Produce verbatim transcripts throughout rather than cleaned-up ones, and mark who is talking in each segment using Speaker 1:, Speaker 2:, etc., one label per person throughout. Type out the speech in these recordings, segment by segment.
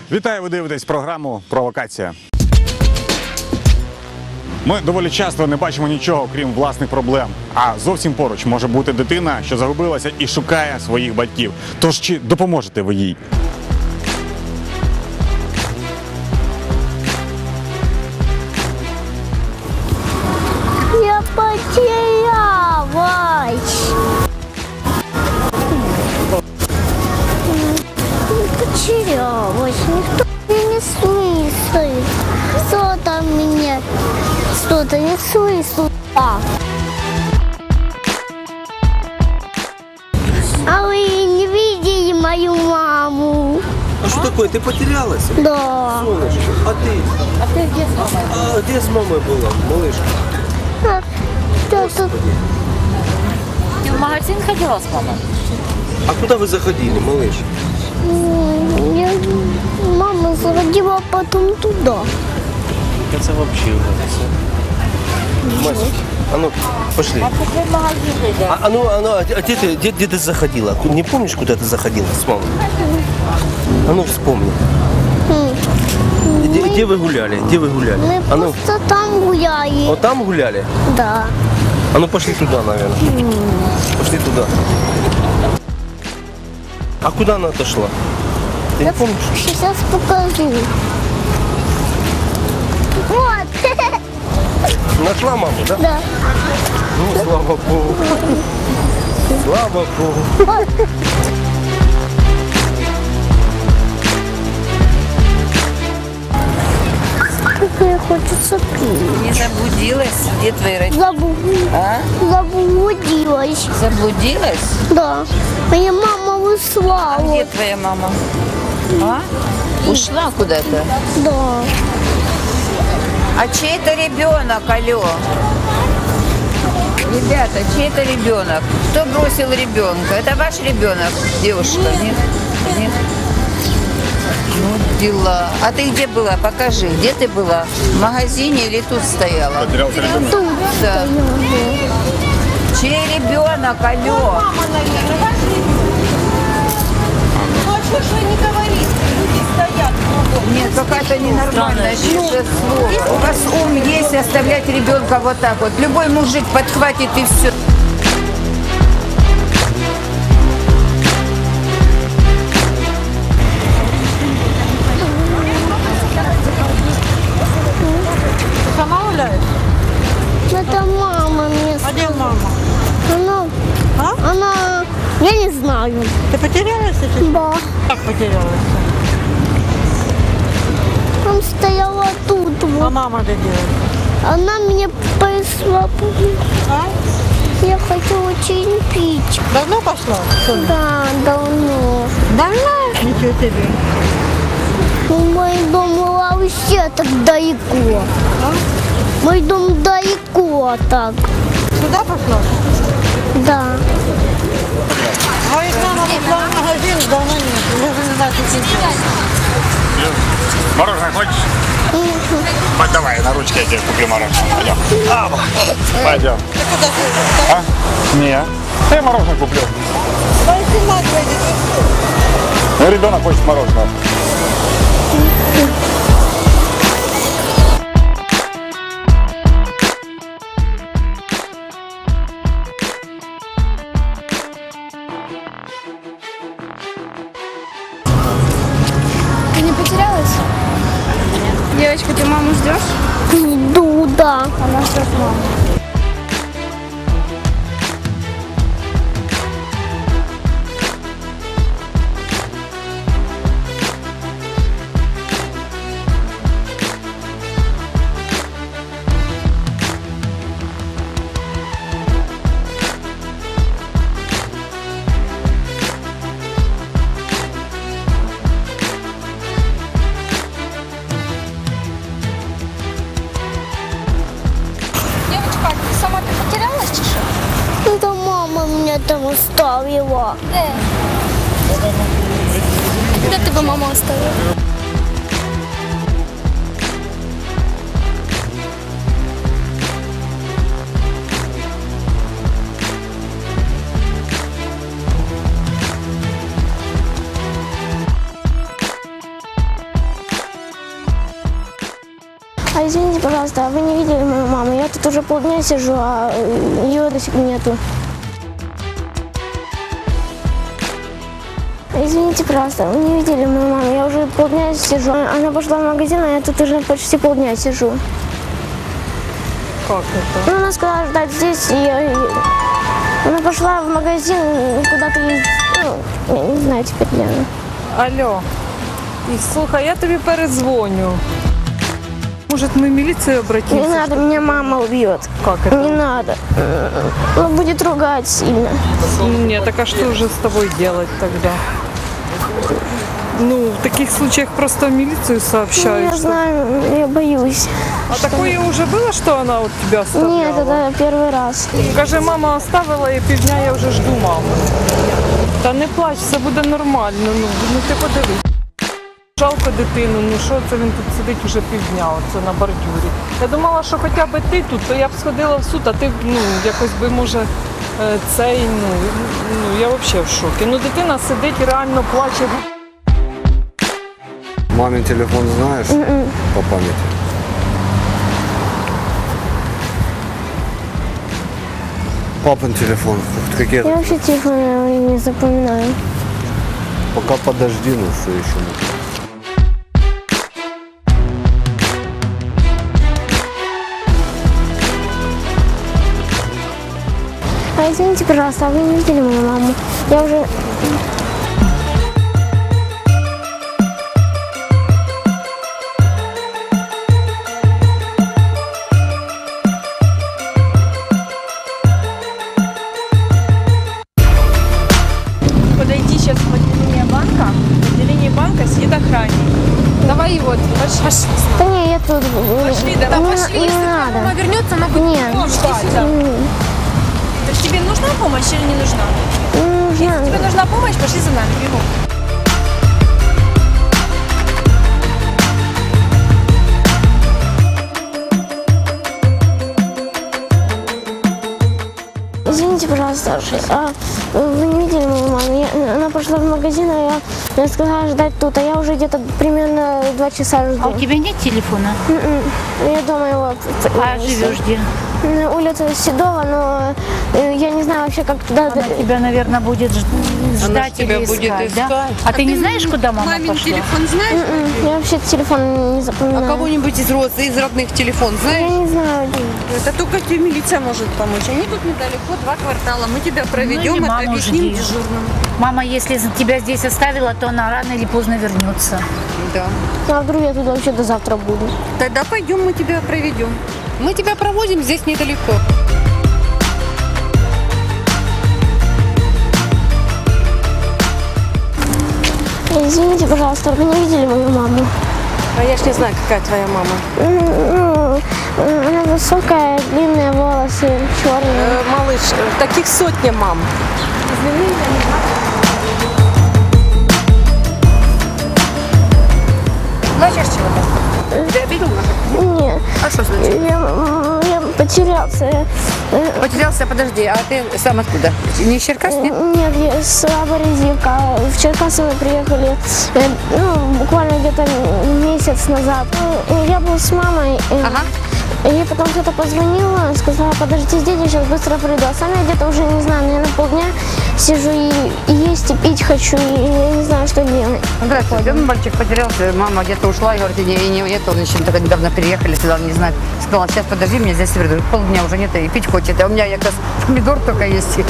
Speaker 1: Вітаю, ви дивитесь програму «Провокація». Ми доволі часто не бачимо нічого, крім власних проблем. А зовсім поруч може бути дитина, що загубилася і шукає своїх батьків. Тож чи допоможете ви їй?
Speaker 2: Я потерялась. Потерялась. Никто меня не слышит. Кто-то меня что-то не слышит. А вы не видели мою маму?
Speaker 3: А что такое? Ты потерялась?
Speaker 2: Да.
Speaker 3: Солнышко, а ты?
Speaker 4: А ты где с мамой?
Speaker 3: А где с мамой была, малышка?
Speaker 2: А, кто-то...
Speaker 4: Ты в магазин ходила с мамой?
Speaker 3: А куда вы заходили, малыш?
Speaker 2: М, я- Мама заходила потом туда.
Speaker 3: Это вообще ужас. Мась, а ну, пошли.
Speaker 4: А ты в магазин ходила?
Speaker 3: А, а ну, а, ну, а где, ты, где, где ты заходила? Не помнишь, куда ты заходила с мамой? А ну, вспомни.
Speaker 2: М,
Speaker 3: Где, где вы гуляли? Где вы гуляли?
Speaker 2: Мы
Speaker 3: А ну,
Speaker 2: просто там гуляли.
Speaker 3: вот там гуляли?
Speaker 2: Да.
Speaker 3: А ну, пошли туда, наверное. Пошли туда. А куда она отошла? Ты не помнишь?
Speaker 2: Сейчас покажу. Вот.
Speaker 3: Нашла маму, да?
Speaker 2: Да.
Speaker 3: Ну, слава Богу. Слава Богу.
Speaker 2: Вот. Как хочется пить.
Speaker 4: Не заблудилась? Где твои родители?
Speaker 2: Забу...
Speaker 4: А?
Speaker 2: Заблудилась.
Speaker 4: Заблудилась?
Speaker 2: Да. Моя мама ушла.
Speaker 4: А где
Speaker 2: Вот.
Speaker 4: твоя мама? А? Ушла куда-то?
Speaker 2: Да.
Speaker 4: А чей это ребенок, алло? Ребята, чей это ребенок? Кто бросил ребенка? Это ваш ребенок, девушка? Нет? Нет? Ну, дела. А ты где была? Покажи. Где ты была? В магазине или тут стояла?
Speaker 1: Потерявся ребенок.
Speaker 2: Тут
Speaker 4: Да.
Speaker 2: стояла.
Speaker 4: Чей ребенок, алло? Нет, какая-то ненормальная слово. У вас ум есть оставлять ребенка вот так вот. Любой мужик подхватит и все.
Speaker 5: Сама гуляешь?
Speaker 2: Это мама мне
Speaker 5: А где
Speaker 2: сказала.
Speaker 5: мама?
Speaker 2: Она,
Speaker 5: А?
Speaker 2: она, я не знаю.
Speaker 5: Ты потерялась сейчас?
Speaker 2: Да.
Speaker 5: Как потерялась?
Speaker 2: Там стояла тут.
Speaker 5: А
Speaker 2: Вот.
Speaker 5: мама где делает?
Speaker 2: Она мне пришла.
Speaker 5: А?
Speaker 2: Я хочу очень пить.
Speaker 5: Давно пошла? Соня?
Speaker 2: Да, давно.
Speaker 5: Давно? Ничего себе.
Speaker 2: Мой дом вообще так далеко.
Speaker 5: А?
Speaker 2: Мой дом далеко так.
Speaker 5: Сюда пошла?
Speaker 2: Да.
Speaker 5: А их мама пошла в магазин, давно нет. Я уже не знаю, что сейчас.
Speaker 1: Мороженое хочешь? Давай, на ручке я тебе куплю мороженое. Пойдем. Пойдем.
Speaker 5: Ты куда ты?
Speaker 1: А? Не. Я мороженое куплю.
Speaker 5: Ой, снимать выйдет.
Speaker 1: Ну, ребенок хочет мороженого.
Speaker 6: Ты не потерялась? Девочка, ты маму ждешь?
Speaker 2: Иду, да.
Speaker 6: Она ждет маму. Девочка, ты сама ты потерялась, чи що?
Speaker 2: Это мама меня там оставила.
Speaker 6: Де? Де тебе мама оставила?
Speaker 2: Извините, пожалуйста, а вы не видели мою маму? Я тут уже полдня сижу, а ее до сих пор нету. Извините, пожалуйста, вы не видели мою маму? Я уже полдня сижу. Она пошла в магазин, а я тут уже почти полдня сижу.
Speaker 5: Как это?
Speaker 2: Ну, она сказала ждать здесь, и я... Она пошла в магазин куда-то ездить. Ну, я не знаю теперь, где она.
Speaker 5: Алло. І, слухай, я тобі передзвоню. Может, мы в милицию
Speaker 2: Не
Speaker 5: обратимся?
Speaker 2: надо, меня мама убьет.
Speaker 5: Как это?
Speaker 2: Не надо. Он будет ругать сильно.
Speaker 5: Нет, так а что же с тобой делать тогда? Ну, в таких случаях просто в милицию
Speaker 2: Ну,
Speaker 5: сообщают.
Speaker 2: я
Speaker 5: что-
Speaker 2: знаю, я боюсь.
Speaker 5: А такое уже было, что она вот тебя оставляла?
Speaker 2: Нет, это первый раз.
Speaker 5: Каже, мама оставила і півдня я вже жду маму. Та не плач, все буде нормально. Ну, ну ти подивись. Жалко дитину, ну що це він тут сидить уже півдня, оце на бордюрі. Я думала, що хоча б ти тут, то я б сходила в суд, а ти ну, якось би, може, е, цей, ну, ну я взагалі в шокі. Ну дитина сидить і реально плаче.
Speaker 7: Мамин телефон знаешь по памяти? Папин телефон. Какие
Speaker 2: Я вообще телефон не запоминаю.
Speaker 7: Пока подожди, ну что еще можно.
Speaker 2: А извините, пожалуйста, а вы не видели мою маму? Я уже...
Speaker 8: Подойди сейчас в отделение банка. В отделении банка сидит охранник. Давай его, пошли. пошли.
Speaker 2: Да не, я тут...
Speaker 8: Пошли, да,
Speaker 2: не,
Speaker 8: пошли.
Speaker 2: не
Speaker 8: Если
Speaker 2: надо.
Speaker 8: мама вернется, она будет
Speaker 2: Нет.
Speaker 8: ждать. Да. То есть тебе нужна помощь или не нужна?
Speaker 2: Не
Speaker 8: Если
Speaker 2: нужна.
Speaker 8: тебе нужна помощь, пошли за нами, бегом.
Speaker 2: Извините, пожалуйста, а вы не видели мою маму? Я- она пошла в магазин, а я, я сказала ждать тут, а я уже где-то примерно два часа жду.
Speaker 9: А у тебя нет телефона?
Speaker 2: М-м. Я дома его...
Speaker 9: А живешь где?
Speaker 2: На улице Седова, но э, я не знаю вообще, как туда...
Speaker 9: Она тебя, наверное, будет ж- ждать или искать, да? А, ты не знаешь, куда мама
Speaker 4: Мамин
Speaker 9: пошла?
Speaker 4: телефон знаешь?
Speaker 2: М-м. Я вообще телефон не запоминаю.
Speaker 4: А кого-нибудь из родственников, из родных телефон
Speaker 2: Я
Speaker 4: знаешь?
Speaker 2: не знаю.
Speaker 4: Это только тебе милиция может помочь. Они тут недалеко, два квартала. Мы тебя проведем,
Speaker 9: Ну, или
Speaker 4: это
Speaker 9: маму
Speaker 4: объясним
Speaker 9: жди.
Speaker 4: дежурным.
Speaker 9: Мама, если за- тебя здесь оставила, то она рано или поздно вернется.
Speaker 4: Да.
Speaker 2: А вдруг я тут вообще до завтра буду?
Speaker 4: Тогда пойдем, мы тебя проведем. Мы тебя проводим здесь недалеко.
Speaker 2: Извините, пожалуйста, вы не видели мою маму?
Speaker 8: А я ж не знаю, какая твоя мама.
Speaker 2: М, Ну, э, она высокая, длинные волосы, черные.
Speaker 8: малыш, таких сотня мам. Плачешь чего-то? Ты обидел нас?
Speaker 2: Нет,
Speaker 4: А что случилось?
Speaker 2: я, м, я потерялся. Э,
Speaker 4: Потерялся, подожди, а ты сам откуда? Не из Черкас, нет?
Speaker 2: Нет, я с Аборезивка. В Черкассы мы приехали э, ну, буквально где-то месяц назад. Ну, Я был с мамой. э,
Speaker 4: Ага.
Speaker 2: И потом кто-то позвонил, сказала, подожди здесь, я сейчас быстро приду. А сам я где-то уже, не знаю, наверное, полдня сижу и, и есть, и пить хочу, и я не знаю, что делать.
Speaker 10: Здравствуйте. Один мальчик потерялся, мама где-то ушла, и говорит, и не, и не это, он еще только недавно переехали сюда, он не знает. Сказала, сейчас подожди, меня здесь приду. Полдня уже нет, и пить хочет. А у меня как раз помидор только есть.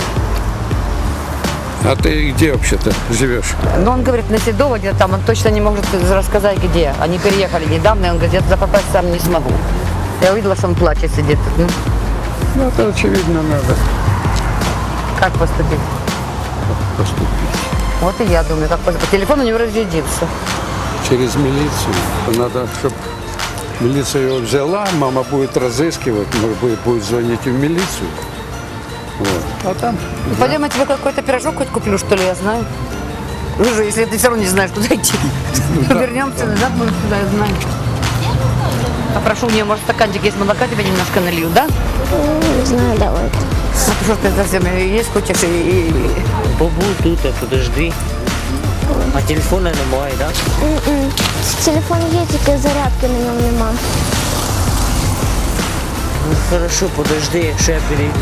Speaker 11: А ты где вообще-то живешь?
Speaker 10: Но он говорит, на Седово где-то там, он точно не может рассказать, где. Они переехали недавно, и он говорит, я туда попасть сам не смогу. Я увидела, что он плачет, сидит. Ну,
Speaker 11: Ну, это очевидно надо
Speaker 10: как поступить?
Speaker 11: поступить.
Speaker 10: Вот и я думаю, как поступить. Телефон у него разрядился.
Speaker 11: Через милицию. Надо, чтобы милиция его взяла, мама будет разыскивать, может быть, будет звонить в милицию. Вот. А там...
Speaker 10: Пойдем, я тебе какой-то пирожок хоть куплю, что ли, я знаю. Вы же, если ты все равно не знаешь, куда идти. Вернемся назад, будем сюда, я знаю. Попрошу у нее, может, стаканчик есть молока, тебе немножко налью, да?
Speaker 2: Ну, Не знаю, давай.
Speaker 10: А ты что ты совсем есть хочешь и... и-
Speaker 3: Побудь тут, а подожди. А телефона немає, да?
Speaker 2: М-м. Телефон есть, только зарядки на нем нема.
Speaker 3: Ну хорошо, подожди, якщо я перейду.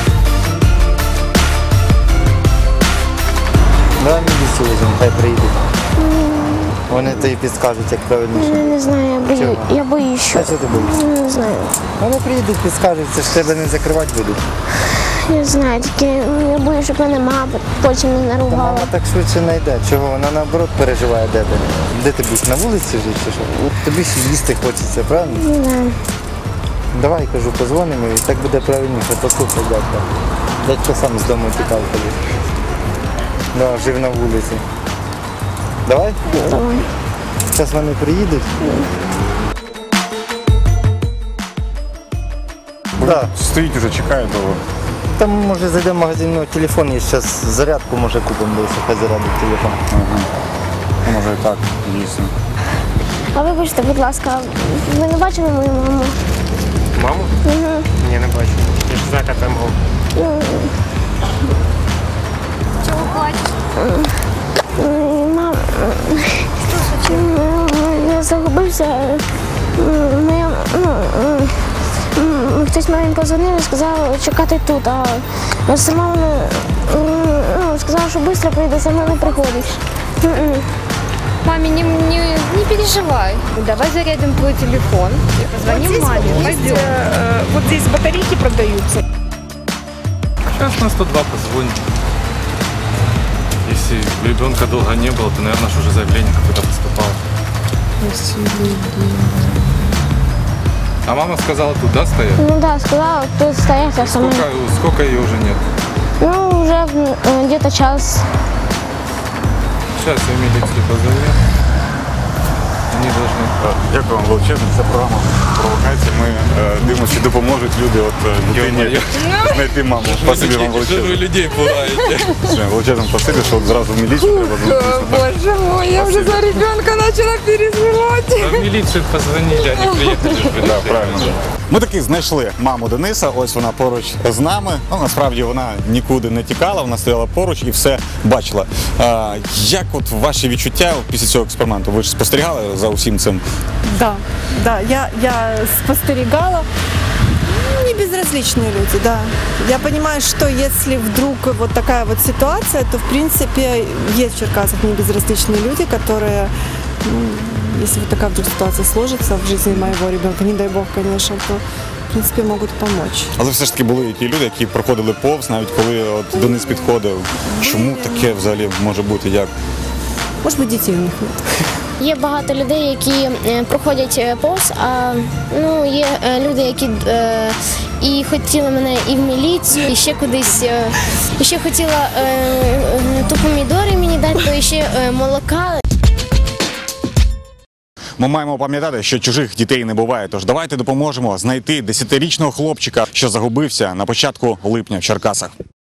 Speaker 12: Давай міліцію візьмемо, хай приїдуть. Вони тобі підскажуть, як правильніше.
Speaker 2: Не, не знаю, я, бою,
Speaker 12: Чого?
Speaker 2: я боюсь. Що...
Speaker 12: А що ти боїшся?
Speaker 2: Не знаю.
Speaker 12: Вони приїдуть, підскажуть, це ж тебе не закривати будуть.
Speaker 2: Не знаю, тільки ну, я боюсь, щоб мене мама потім не
Speaker 12: Та
Speaker 2: наругала.
Speaker 12: мама так швидше не йде. Чого? Вона наоборот переживає, де ти. Де ти будеш? На вулиці жити чи що? Тобі ж їсти хочеться, правильно?
Speaker 2: Не знаю.
Speaker 12: Давай, кажу, позвонимо і так буде правильніше. Послухай дядька. Дядько сам з дому тікав тоді. Да, жив на вулиці. Давай?
Speaker 2: Давай.
Speaker 12: Зараз вони приїдуть. Да.
Speaker 1: Стоїть уже, чекає довго.
Speaker 12: Там може зайдемо в магазин, ну, телефон є, зараз зарядку може купимо, десь хай зарядить телефон.
Speaker 1: Ага. Може і так, дійсно.
Speaker 2: А вибачте, будь ласка, ви не бачили мою маму?
Speaker 3: Маму?
Speaker 2: Угу.
Speaker 3: Ні, не бачу. Я ж знаю, як там мама.
Speaker 2: Ну,
Speaker 6: Чего плачешь?
Speaker 2: ну, мам, ну, я загубився. М, Моя, ну, м, м, хтось мамі позвонив і сказав чекати тут, а сама вона м, ну, сказала, що швидко прийде, сама не приходить. М-м.
Speaker 6: Маме, не, не, не переживай.
Speaker 8: Давай зарядим твой телефон и позвоним
Speaker 5: Вот здесь
Speaker 8: маме.
Speaker 5: вот есть,
Speaker 8: Пойдем.
Speaker 5: э, вот здесь батарейки продаются.
Speaker 13: Сейчас на сто два позвоним. Если ребенка долго не было, то, наверное, уже заявление какое-то поступало. А мама сказала, туда стоять?
Speaker 2: Ну да, сказала, тут стоять, а сама...
Speaker 13: Сколько, сколько ее уже нет?
Speaker 2: Ну, уже э, где-то час.
Speaker 13: Сейчас я милицию позову. Они должны...
Speaker 1: Дякую вам величезно. Це програма «Провокація». Ми е, дивимося, чи допоможуть люди от е, дитині
Speaker 13: Ё-моё.
Speaker 1: знайти маму. Спасибі вам
Speaker 13: Что вы
Speaker 1: величезно.
Speaker 13: людей пугаете?
Speaker 1: Все, величезно спасибі, що от зразу в міліцію треба звернутися.
Speaker 5: Боже мой, я уже за ребенка начала переживать.
Speaker 13: А в милицию позвонили, они приехали.
Speaker 1: Да, правильно. Ми таки знайшли маму Дениса, ось вона поруч з нами. Ну, насправді вона нікуди не тікала, вона стояла поруч і все бачила. А, як от ваші відчуття після цього експерименту? Ви ж спостерігали за усім цим?
Speaker 14: Да, да, я, я спостерегала. Не безразличные люди, да. Я понимаю, что если вдруг вот такая вот ситуация, то в принципе есть в Черкасах не безразличные люди, которые, ну, если вот такая вдруг ситуация сложится в жизни моего ребенка, не дай бог, конечно, то в принципе можуть допомогти.
Speaker 1: Але все ж таки були і ті люди, які проходили повз, навіть коли от Денис підходив. Чому таке взагалі може бути? Як?
Speaker 14: Може бути, дітей у них нет.
Speaker 2: Є багато людей, які е, проходять е, повз, а ну, є е, люди, які е, і хотіли мене і в міліцію, і ще кудись, е, і ще хотіла е, е, то помідори мені дати, то ще е, молока.
Speaker 1: Ми маємо пам'ятати, що чужих дітей не буває, тож давайте допоможемо знайти десятирічного хлопчика, що загубився на початку липня в Черкасах.